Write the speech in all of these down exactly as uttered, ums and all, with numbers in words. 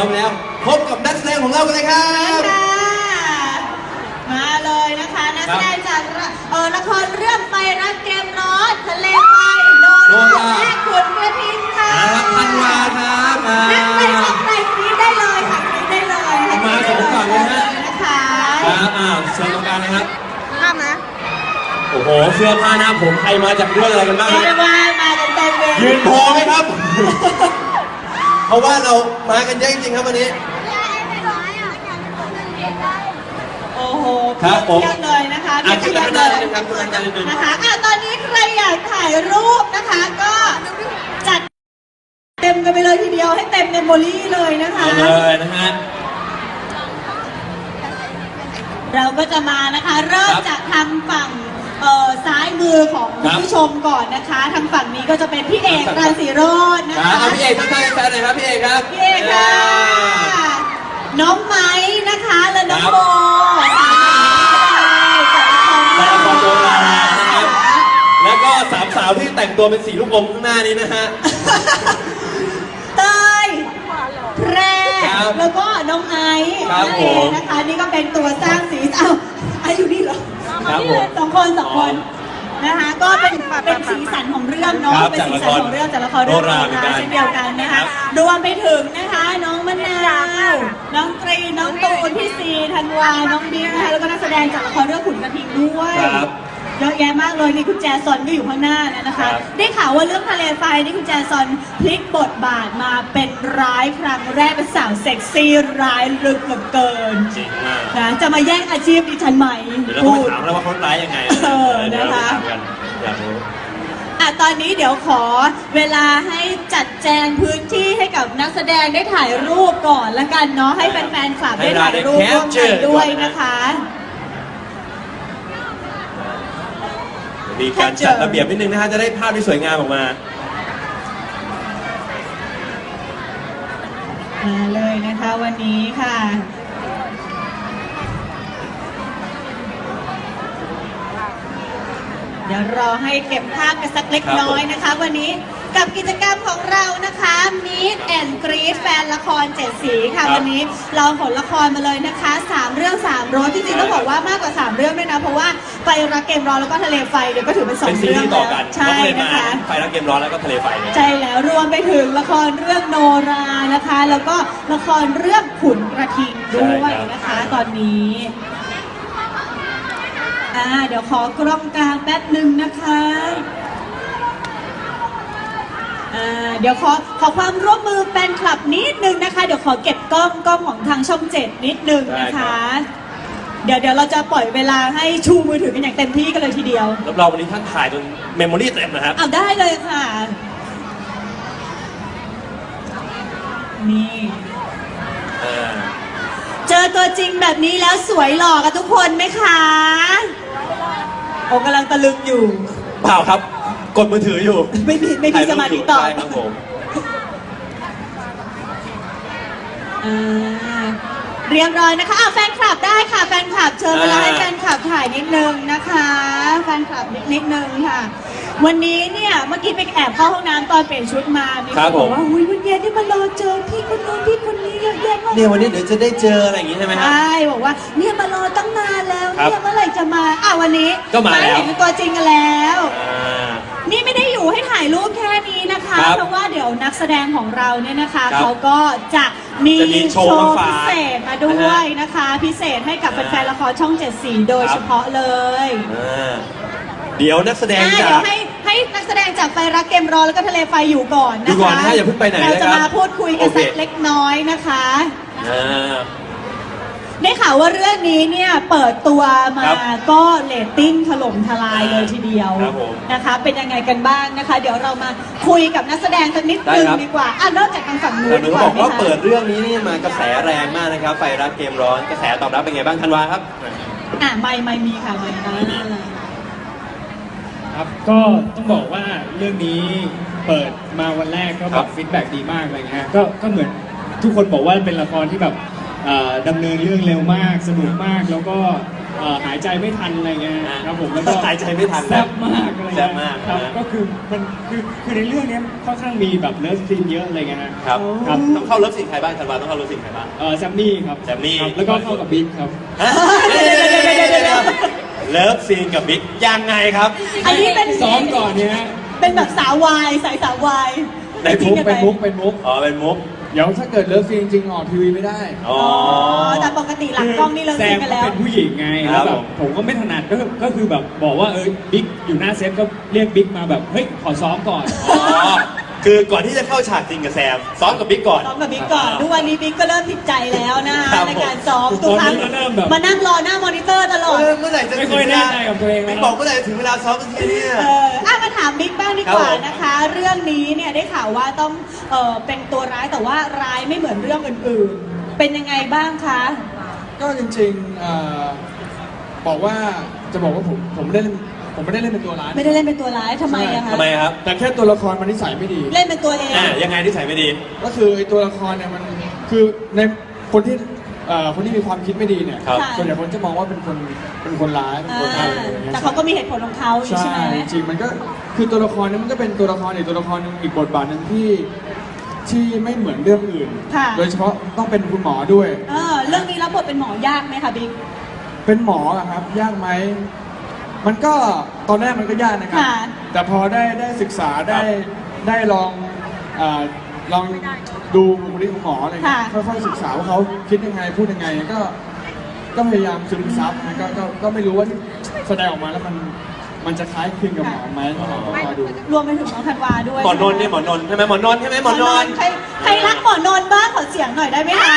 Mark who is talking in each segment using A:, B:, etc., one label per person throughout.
A: อมแล้วพบกับนักแสดงของเรากันเลยครับ
B: มาเลยนะคะนักแสดงจากเออละครเรื่องไฟรักเกมร้อนทะเลไฟโดนและขุนกระทิงค่ะ
A: ธันวาครับ
B: นักไปชมไปฟรีได้เลยค่ะฟรีได้เลย
A: มาสองฝั่งเลยฮะ
B: นะคะ
A: ครับอ่าเชิญตรงกลางนะครับ
B: ภาพนะ
A: โอ้โหเสื้อผ้าหน้าผมใครมาจากเรื่องอะไรกันบ้าง
B: เรียกว่ามากันเต็มเลย
A: ยืนพอไหมครับเพราะว่าเรามากันเยอะจริงๆครับวันนี้
B: โอ้โหครับผมเพียบเลยนะคะ
A: เพียบเลย
B: นะคะอ่ะตอนนี้ใครอยากถ่ายรูปนะคะก็จัดเต็มกันไปเลยทีเดียวให้เต็มเมมโมรี่เลยนะคะ
A: เลยนะฮะ
B: เราก็จะมานะคะเริ่มจากทางฝั่งเอ่อซ้ายมือของผู้ชมก่อนนะคะทางฝั่งนี้ก็จะเป็นพี่เอกรังสีโรจน์นะคะ
A: พี่เอกทักทายแฟนหน่อยครับพี่เอกครับ
B: พี่เอกค่ะน้องไม้นะคะและน้องโบ
A: จากละครโบราณนะครับแล้วก็สามสาวที่แต่งตัวเป็นสีลูกอมข้างหน้านี้นะฮะ
B: เตยแพรแล้วก็น้องไอซ์นั่นเองนะคะนี่ก็เป็นตัวสร้างสีเอ้าไอซ์อยู่นี่เหรอสองคนสองคนนะคะก็เป็นเป็นสีสันของเรื่องเนาะเป็นสีสันของเรื่องจากละครเรื่องนี้เช่นเดียวกันนะคะรวมไปถึงนะคะน้องมะนาวน้องตรีน้องตูนพี่ซีธันวาน้องบิ๊กนะคะแล้วก็นักแสดงจากละครเรื่องขุนกระทิงด้วยเยอะแยะมากเลยนี่คุณแจซอนก็อยู่ข้างหน้าแล้วนะคะได้ข่าวว่าเรื่องทะเลไฟนี่คุณแจซอนพลิกบทบาทมาเป็นร้ายครั้งแรกเป็นสาวเซ็กซี่ร้ายลึกเหลือเกิน
A: จริงมาก
B: นะจะมาแย่งอาชีพดิฉันไหม
A: เดี๋ยวเราไปถามแล้วว่าเขาร้ายยังไง
B: เออนะคะ
A: อยากรู้
B: อ่ะตอนนี้เดี๋ยวขอเวลาให้จัดแจงพื้นที่ให้กับนักแสดงได้ถ่ายรูปก่อนละกันเนาะให้แฟนๆฝากได้ถ่ายรูปร่วมกันด้วยนะคะ
A: มีการจัดระเบียบนิดนึงนะฮะจะได้ภาพที่สวยงามออกมา
B: มาเลยนะคะวันนี้ค่ะเดี๋ยวรอให้เก็บภาพกันสักเล็กน้อยนะคะวันนี้กับกิจกรรมของเรานะคะ Meet and Greet แฟนละครเจ็ดสีค่ะวันนี้เราขนละครมาเลยนะคะสามเรื่องสามรสที่จริงต้องบอกว่ามากกว่าสามเรื่องด้วยนะเพราะว่าไฟรักเกมร้อนแล้วก็ทะเลไฟเดี๋ยวก็ถือเป็นสองเรื่องแล้วใช่นะคะ
A: ไฟรักเกมร้อนแล้วก็ทะเลไฟ
B: ใช่แล้วรวมไปถึงละครเรื่องโนรานะคะแล้วก็ละครเรื่องขุนกระทิงด้วยนะคะตอนนี้อ่าเดี๋ยวขอกล้องกลางแป๊บหนึ่งนะคะอ่าเดี๋ยวขอขอความร่วมมือแฟนคลับนิดนึงนะคะเดี๋ยวขอเก็บกล้องกล้องของทางช่องเจ็ดนิดนึงนะคะเดี๋ยวเดี๋ยวเราจะปล่อยเวลาให้ชูมือถือกันอย่างเต็มที่กันเลยทีเดียว
A: รับรองวันนี้ท่านถ่ายจนเมมโมรี่เต็มนะครับ
B: เอาได้เลยค่ะนี่เจอตัวจริงแบบนี้แล้วสวยหล่อกันทุกคนไหมคะผมกำลังตะลึงอยู่
A: เปล่าครับกดมือถืออยู่
B: ไม่มีไม่มีสมาธิต่อ
A: ครับผม
B: เรียบร้อยนะคะอ้าวแฟนคลับได้ค่ะแฟนคลับเชิญเวลาให้แฟนคลับถ่ายนิดนึงนะคะแฟนคลับนิดนึงค่ะวันนี้เนี่ยเมื่อกี้ไปแอบเข้าห้องน้ำตอนเปลี่ยนชุดมามีคนบอกว่าอุ้ยวันเย็นนี่มารอเจอพี่คนนู้นพี่คนนี้เยอะแยะมาก
A: เนี่ยวันนี้เดี๋ยวจะได้เจออะไรอย่างงี้ใช่ไหมครับ
B: ใช่บอกว่าเนี่ยมารอตั้งนานแล้วเนี่ยเมื่อไหร่จะมาอ่ะวันนี้
A: ก็มาแล้ว
B: เห็นตัวจริงกันแล้วนี่ไม่ได้อยู่ให้ถ่ายรูปแค่นี้นะคะเพราะว่าเดี๋ยวนักแสดงของเราเนี่ยนะคะเขาก็จะมีโชว์พิเศษมาด้วยนะคะพิเศษให้กับแฟนๆละครช่องเจ็ดสีโดยเฉพาะเลย
A: เดี๋ยวนักแสดงจาก
B: เดี๋ยวให้ให้นักแสดงจากไฟรักเกมร้อนแล้วก็ทะเลไฟอยู่ก่อนนะคะ
A: อยู่ก่อนนะอย่าเพิ่งไปไหน
B: เราจะมาพูดคุยกันสักเล็กน้อยนะคะได้ข่าวว่าเรื่องนี้เนี่ยเปิดตัวมาก็เรตติ้งถล่มทลายเลยทีเดียวนะคะเป็นยังไงกันบ้างนะคะเดี๋ยวเรามาคุยกับนักแสดงสักนิดนึงดีกว่าอ่ะนอกจากทางฝั่งนู้นดีกว่า
A: บอกว่าเปิดเรื่องนี้นี่มากระแสแรงมากนะครับไฟรักเกมร้อนกระแสตอบรับเป็นไงบ้างธันวาครับ
B: อ่ะไม่ไม่มีค่ะไม่
C: ครับก็ต้องบอกว่าเรื่องนี้เปิดมาวันแรกก็แบบฟีดแบ็กดีมากอะไรเงี้ยก็ก็เหมือนทุกคนบอกว่าเป็นละครที่แบบดำเนินเรื่องเร็วมากสนุกมากแล้วก็เอ่อหายใจไม่ทันอะไรเงี้ยครับผมแล้วก็
A: หายใจไม่ทัน
C: แซ่บมากอะไร
A: แซ่
C: เงี้
A: บมาก
C: ครับ
A: นะ
C: ก็คือมันคือคือในเรื่องเนี้ยค่อนข้างมีแบบเลิฟซีนเยอะอะไรเงี้ยนะครับ ครับ
A: ต้องเข้าเลิฟซีนใครบ้างธันวาต้องเข้าเลิฟซีนใครบ้าง
C: เออแซมมี่ครับ
A: แซมมี่
C: ครับแล้วก็เข้ากับบิ๊กครับ
A: ฮะเดี๋ยวๆๆๆๆเลิฟซีนกับบิ๊กยังไงครับ
B: อันนี้เป็น
C: ซ้อมก่อนเนี่ยฮะ
B: เป็นแบบสาววายสายสาววาย
A: ใน
C: เป็นมุกเป็นมุกเป็นมุก
A: อ๋อเป็นมุก
C: เดี๋ยวถ้าเกิดเลิฟซีนจริงๆออกทีวีไม่ได้
A: อ๋อ
B: อ๋อแต่ปกติหลังกล้องนี่เรา
C: แซ
B: ซี
C: ม
B: กัน
C: ก็
B: แล้ว
C: เป็นผู้หญิงไง
A: ครั
C: แล้ว
A: บ
C: แบบผมก็ไม่ถนัดก็ก็คือแบบบอกว่าเออบิ๊กอยู่หน้าเซตก็เรียกบิ๊กมาแบบเฮ้ยขอซ้อมก่อน
A: อ๋อคือก่อนที่จะเข้าฉากจริงกับแซมซ้อมกับบิ๊กก่อน
B: ซ้อมกับบิ๊กก่อนทุกวันนี้บิ๊กก็เริ่มผิดใจแล้วนะคะ
A: ครับ
B: ในการซ้อมทุกครั้ง
C: ตอนนี้ก็เริ่มแบบ
B: มานั่งรอหน้ามอนิเตอร์ตลอด
A: เออเมื่อไหร่จะ
C: ไม่ค่อยแน่ใจกับตัวเองแล้ว
A: บิ๊กบอกเมื่อไหร่จะถึงเวลาซ้อมสักทีเนี่ย
B: เอออ่ะมาถามบิ๊กบ้างดีกว่า
A: ครับผม
B: นะคะ เรื่องนี้เนี่ยได้ข่าวว่าต้องเออเป็นตัวร้ายแต่ว่าร้ายไม่เหมือนเรื่องอื่นๆ เป็นยังไงบ้างคะ
D: ก็จริงๆเอ่อบอกว่าจะบอกว่าผมผมไม่ได้เล่นผมไม่ได้เล่นเป็นตัวร้าย
B: ไม่ได้เล่นเป็นตัวร้ายทำไมอะคะ
A: ทำไมครับ
D: แต่แค่ตัวละครมันนิสัยไม่ดี
B: เล่นเป็นตัวเอง
A: อ่ายังไงที่ใส่ไม่ดี
D: ก็คือไอ้ตัวละครเนี่ยมันคือในคนที่เอ่อคนที่มีความคิดไม่ดีเนี่ย
A: ครับ
D: ส่วนใหญ่คนจะมองว่าเป็นคนเป็นคนร้ายเป็น
B: อ่า
D: คนอะไรอย่างเงี้ย
B: แต่เขาก็มีเหตุผลของเขาอยู่
D: ใช่
B: ใช่ไหม
D: จริงๆมันก็คือตัวละครเนี่ยมันก็เป็นตัวละครอีกตัวละครหนึงอีกบทบาทหนึ่งที่ที่ไม่เหมือนเรื่องอื่น
B: ค่ะ
D: โดยเฉพาะต้องเป็นคุณหมอด้วย
B: เออเรื่องนี้รับบทเป็นหมอยากไหมคะบิ๊ก
D: เป็นหมออะครับยากไหมมันก็ตอนแรกมันก็ยากนะครับ
B: ค่ะ
D: แต่พอได้ได้ศึกษาได้
A: ครับ
D: ได้ลองเอ่อลองดูบุคลิกของหมออะไรเงี้ย
B: ค่ะ
D: ค่อยๆศึกษาว่าเขาคิดยังไงพูดยังไงก็ก็พยายามซึมซับนะก็ก็ก็ไม่รู้ว่าที่แสดงออกมาแล้วมันมันจะคล้ายคลึงกับหมอไหมก็รอดู
B: รวมไปถึงน้องธันวาด้วย
A: หมอนนท์เนี่ยหมอนนท์ใช่ไหมหมอนนท์ใช่ไหมหมอนนท์
B: ใครใครรักหมอนนท์บ้างขอเสียงหน่อยได้ไหมคะ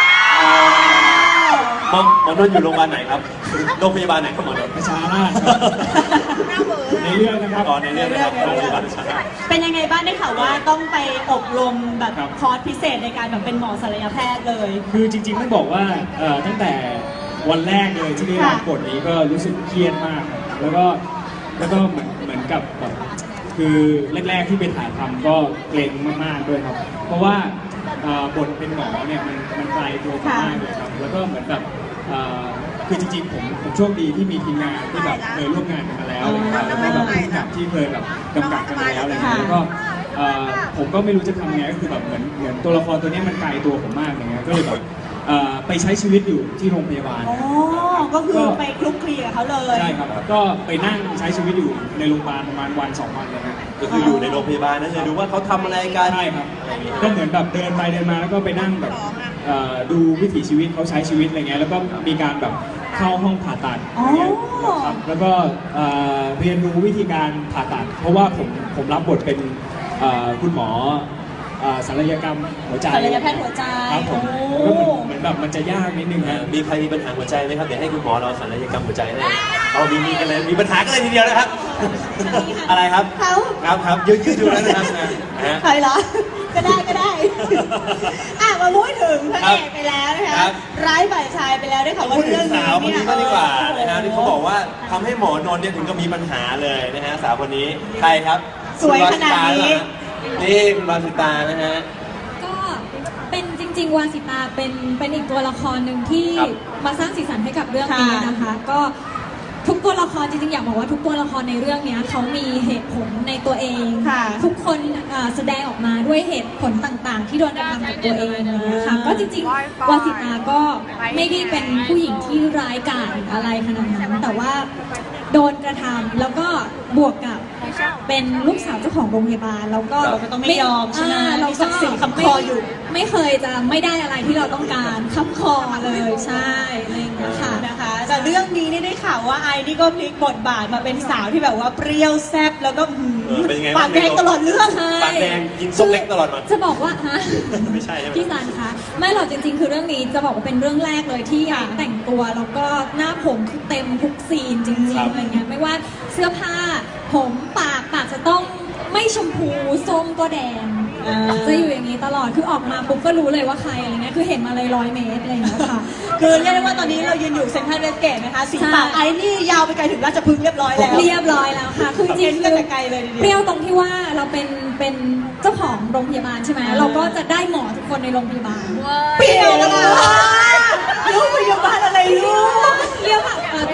A: หมอหมอนนท์อยู่โรงพยาบาลไหนครับโรงพยาบาลไหนครับหมอนนท์
C: ประชาราษฎร์ในเรื่องนะครับ
A: อ๋อในเรื่องนะครับโรงพยาบาลประชาราษฎร์
B: เป็นยังไงบ้างได้ข่าวว่าต้องไปอบรมแบบ
C: ครับ
B: คอร์สพิเศษในการแบบเป็นหมอศัลยแพทย์เลย
C: คือจริงๆต้องบอกว่าเอ่อตั้งแต่วันแรกเลยที่ได้รับบทนี้ก็รู้สึกเครียดมากครับแล้วก็แล้วก็เหมือนเหมือนกับแบบคือแรกๆที่ไปถ่ายทำก็เกรงมากๆด้วยครับ เพราะว่าเอ่อบทเป็นหมอเนี่ยมันมันไกลตัวผมมากเลยครับแล้วก็เหมือนแบบเอ่อคือจริงๆผมผมโชคดีที่มีทีมงานที่แบบเคยร่วมงานกันมาแล้วอะไรเงี้ยแล้วก็แบบผู้กำกับที่เคยแบบกำกับกันมาแล้วอะไรเงี้ยแล้วก็ เอ่อผมก็ไม่รู้จะทำไงก็คือแบบเหมือนเหมือนตัวละครตัวเนี้ยมันไกลตัวผมมากอย่างเงี้ยก็เลยแบบเอ่อไปใช้ชีวิตอยู่ที่โรงพยาบาล
B: อ๋อ ก็คือไปคลุกคลีกับเขาเลย
C: ใช่ครับก็ไปนั่งใช้ชีวิตอยู่ในโรงพยาบาลประมาณวันสองวันเลยครับ
A: ก็คืออยู่ในโรงพยาบาลนั่นเลยดูว่าเขาทำอะไรกัน
C: ใช่ครับก็เหมือนแบบเดินไปเดินมาแล้วก็ไปนั่งแบบเอ่อดูวิถีชีวิตเขาใช้ชีวิตอะไรเงี้ยแล้วก็มีการแบบเข้าห้องผ่าตัดอย่างเงี้ยครับแล้วก็เอ่อเรียนรู้วิธีการผ่าตัด เพราะว่าผมผมรับบทเป็นเอ่อคุณหมอเอ่อศัลยกรรมหัวใจ
B: ศัลยแพทย์หัวใจ
C: ครับผม
B: โอ้
C: ก็เหมือนเหมือนแบบมันจะยากนิดนึง
A: เอ่
C: นะ
A: อมีใครมีปัญหาหัวใจไหมครับ เดี๋ยวให้คุณหมอเราศัลยกรรมหัวใจให้เอามีมีกันเลย มีปัญหากันเลยทีเดียวนะครับ อะไรครับ
B: เขา
A: ครับครับยืดยืดดูแล้วนะครับนะฮะ
B: ใครเหรอ ก็ได้ก็ได้ อ่ะมาพูดถึงพระเอกไปแล้วนะ
A: ครั
B: คะ
A: บ
B: ร้ายฝ่ายชายไปแล้วได้ข่าวว่า
A: พูดถึ
B: เรื่อง ง
A: สา
B: นี้
A: วคน
B: เนี่ย
A: นี้ก็ดีกว่านะฮะ
B: โอ้โห
A: ที่เขาบอกว่าทำให้หมอนนท์เนี่ยถึงกับมีปัญหาเลยนะฮะสาวคนนี้ใครครับ
B: สวยขนาดนี้
A: นี่คุณวาสิตานะฮะ
E: ก็เป็นจริงๆวาสิตาเป็นเป็นอีกตัวละครหนึ่งที่
A: ครับ
E: มาสร้างสีสันให้กับเรื่องนี้นะคะ ก็ทุกตัวละครจริงๆอยากบอกว่าทุกตัวละครในเรื่องเนี้ยเขามีเหตุผลในตัวเอง
B: ค่ะ
E: ทุกคนเอ่อแสดงออกมาด้วยเหตุผลต่างๆ ที่โดนกระทำกับตัวเองนะคะก็จริงๆวาสิตาก็ไม่ได้เป็นผู้หญิงที่ร้ายกาจอะไรขนาดนั้นแต่ว่าโดนกระทำแล้วก็บวกกับเป็นลูกสาวเจ้าของโรงพยาบาลแล้วก็
B: เราก็ต้องไม่ยอมใช่ไหม
E: าเรา
B: มีศักดิ์ศรีค้ำคออยู่
E: ไม่ไม่เคยจะไม่ได้อะไรที่เราต้องการค้ำคอเลยใช่อะไรอย่างเงี้ยค่ะ
B: นะคะแต่เรื่องนี้นี่ได้ข่าวว่าไอ้นี่ก็พลิกบทบาทมาเป็นสาวที่แบบว่าเปรี้ยวแซ่บแล้วก็หืม
A: เออเป็นยังไงบ้าง
B: ปากแดงตลอดเรื่อง
E: ใช่
A: ปากแดงกินส้มเล็กตลอดมา
E: จะบอกว่าฮะ
A: ไม่ใช่ใช่ไหม
E: พี่ซันคะไม่หรอกจริง ๆ คือเรื่องนี้จะบอกว่าเป็นเรื่องแรกเลยที่
B: ค่ะ
E: แต่งตัวแล้วก็หน้าผมคือเต็มทุกซีนจริ
A: ครั
E: ง
A: บ
E: ๆอะไรเงี้ยไม่ว่าเสื้อผ้าผมปากปากจะต้องไม่ชมพูส้มก็แดง
B: อ่า
E: จะอยู่อย่างนี้ตลอดคือออกมาปุ๊บก็รู้เลยว่าใครอะไรเงี้ยคือเห็นมาเลยร้อยเมตรอะไรอย่างเงี้ยค่ะ
B: คือเรียกได้ว่าตอนนี้เรายืนอยู่เซ็นทรัลเวสเกตนะคะสี
E: ใช่
B: ปากไอ้นี่ยาวไปไกลถึงราชพฤกษ์เรียบร้อยแล้ว
E: เรียบร้อยแล้วค่ะ คือจริง
B: เห็น
E: ๆ
B: กัน
E: คือ
B: แต่ไกลเลยทีเดียว
E: เปรี้ยวตรงที่ว่าเราเป็นเป็นเจ้าของโรงพยาบาลใช่ไหม
B: อ่า
E: เราก็จะได้หมอทุกคนในโรงพยาบาล
B: เปรี้ยวแล้วล่ะลูกพยาบาลอะไรลูก
E: เรียกว่าเอ่อ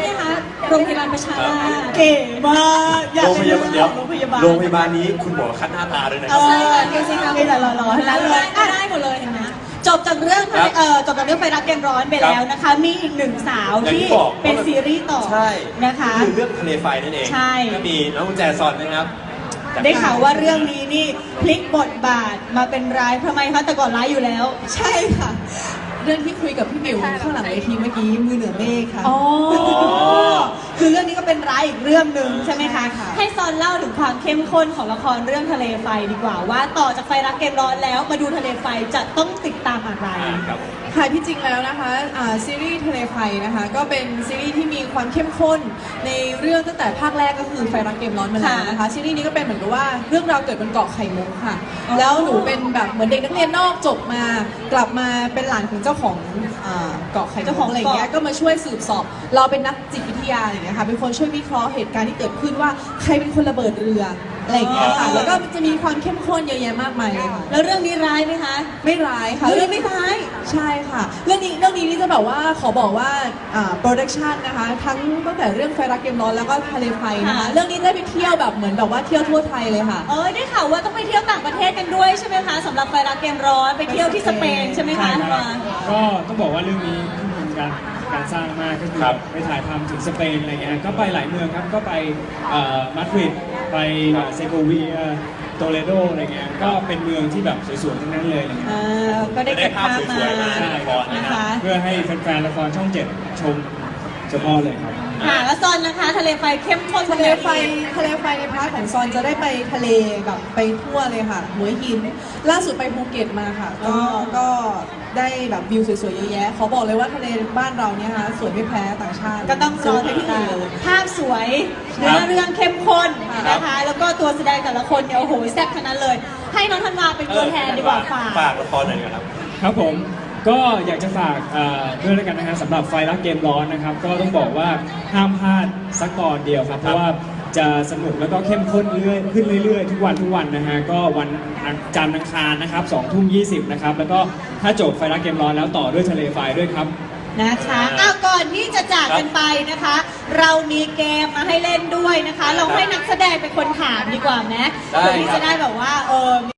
E: รงพยาบาลประชาราษฎร์
B: เก๋มากอยาก
A: โรงพ
B: เป็น
A: ยาบาลเดี๋ยว
B: โรงพยาบาล
A: โรงพยาบาลนี้คุณหมอคัดหน้าตาด้วยนะค
B: เอ
A: รับ
B: อดูสิคะมีแต่หล่อๆทั้งนั้นเลย
E: ได้
B: อ่ะ
E: ได้หมดเลยเห็นไหม
B: จบจากเรื่อง
A: ครับ
B: เอ่อจบจากเรื่องไฟรักเกมร้อนไปแล้วนะคะ มีอีกหนึ่งสาว
A: อย่างที่
B: ที่
A: บอก
B: เป็นซีรีส์ต่อ
A: ใช่
B: นะคะ
A: คือเรื่องทะเลไฟนั่นเอง
B: ใช่
A: ก็มีน้องกุญแจซอนนะครับจาก
B: ได้ข่าวว่าเรื่องนี้นี่พลิกบทบาทมาเป็นร้ายทำไมคะแต่ก่อนร้ายอยู่แล้ว
F: ใช่ค่ะ เรื่องที่คุยกับพี่หมิวข้างหลังเวทีเมื่อกี้มือเหนือเมฆค่ะ
B: อ๋อ คือเรื่องนี้ก็เป็นร้ายอีกเรื่องหนึ่งใช่ไหมคะ
F: ใช่ค่ะ
B: ให้ซอนเล่าถึงความเข้มข้นของละครเรื่องทะเลไฟดีกว่า ว่าต่อจากไฟรักเกมร้อนแล้วมาดูทะเลไฟจะต้องติดตามอะไร
A: อ่าครับ
F: ค่ะที่จริงแล้วนะคะอ่าซีรีส์ทะเลไฟนะคะ ก็เป็นซีรีส์ที่มีความเข้มข้นในเรื่องตั้งแต่ภาคแรกก็คือไฟรักเกมร้อนมาแล้วนะคะ ซีรีส์นี้ก็เป็นเหมือนกับว่าเรื่องราวเกิดบนเกาะไข่มุกค่ะ
B: อ๋อ
F: แล้วหนูเป็นแบบเหมือนเด็กนักเรียนนอกจบมากลับมาเป็นหลานของเจ้าของอ่าเกาะไข่มุก
B: เจ้าของ
F: อะไรอย่างเงี้ย
B: เกาะ
F: ก็มาช่วยสืบสอบ เราเป็นนักจิตวิทยาอะไรอย่างเงี้ยค่ะเป็นคนช่วยวิเคราะห์เหตุการณ์ที่เกิดขึ้นว่าใครเป็นคนระเบิดเรืออะไรอย่างเงี้ยค่ะแล้วก็มันจะมีความเข้มข้นเยอะแยะมากมายเลยค่ะ
B: แล้วเรื่องนี้ร้ายไหมคะ
F: ไม่ร้ายค่ะ
B: เรื่องไม่ร้าย
F: ใช่ค่ะ เรื่องนี้เรื่องนี้นี่จะแบบว่าขอบอกว่าอ่าโปรดักชันนะคะ ทั้งตั้งแต่เรื่องไฟรักเกมร้อนแล้วก็ทะเลไฟนะคะ
B: ค่ะ
F: เรื่องนี้ได้ไปเที่ยวแบบเหมือนแบบว่าเที่ยวทั่วไทยเลยค่ะ
B: เอ้ยได้ข่าวว่าต้องไปเที่ยวต่างประเทศกันด้วยใช่ไหมคะสำหรับไฟรักเกมร้อนไปเที่ยวที่สเปนใช่ไหมคะ
C: ใช่ครับ
B: มา
C: ก็ต้องบอกว่าเรื่องนี้ทุ่มทุนการการสร้างมากก็คือ
A: ครับ
C: ไปถ่ายทำถึงสเปนอะไรเงี้ยก็ไปหลายเมืองครับก็ไปเอ่อมาดริดไปเซโกเวียโตเลโดอะไรเงี้ยก็เป็นเมืองที่แบบสวยๆทั้งนั้นเลยอะไรเงี้ย
B: อ่าก็ได้เก็บภาพมา
A: ได้ภาพสวยๆมา
C: ใช่ครับ
B: นะคะ
C: เพื่อให้แฟนๆละครช่องเจ็ดชมเฉพาะเลยครับ
B: ค่ะแล้วซอนนะคะ ทะเลไฟเข้มข้น
F: ทะเลไฟทะเลไฟในพาร์ทของซอนจะได้ไปทะเลแบบไปทั่วเลยค่ะหัวหิน ล่าสุดไปภูเก็ตมาค่ะ ก็ก็ได้แบบวิวสวยๆเยอะแยะขอบอกเลยว่าทะเลบ้านเราเนี่ยค่ะสวยไม่แพ้ต่างชาติ
B: ก็ต้องรอให้พี่
F: เล
B: ตาย
F: เลย
B: ภาพสวยเนื้อเรื่องเข้มข้นนะคะ แล้วก็ตัวแสดงแต่ละคนเนี่ยโอ้โหแซ่บทั้งนั้นเลย ให้น้องธันวาเป็นตัวแทนดีกว่าฝาก
A: ฝากละครหน่อยครับ
C: ครับผมก็อยากจะฝากเอ่อด้วยแล้วกันนะฮะสำหรับไฟรักเกมร้อนนะครับ ก็ต้องบอกว่าห้ามพลาดสักตอนเดียวครับเพราะว่าจะสนุกแล้วก็เข้มข้นเรื่อยขึ้นเรื่อยๆ ทุกวันทุกวันนะฮะก็วันจันทร์อังคารนะครับสองทุ่มยี่สิบนะครับแล้วก็ถ้าจบไฟรักเกมร้อนแล้วต่อด้วยทะเลไฟด้วยครับ
B: นะคะอ้าวก่อนที่จะจากกันไปนะคะ เรามีเกมมาให้เล่นด้วยนะคะ เราให้นักแสดงเป็นคนถามดีกว่าไหม
A: ได้
B: เพื่อที่
A: ครับ
B: จะได้แบบว่าเออ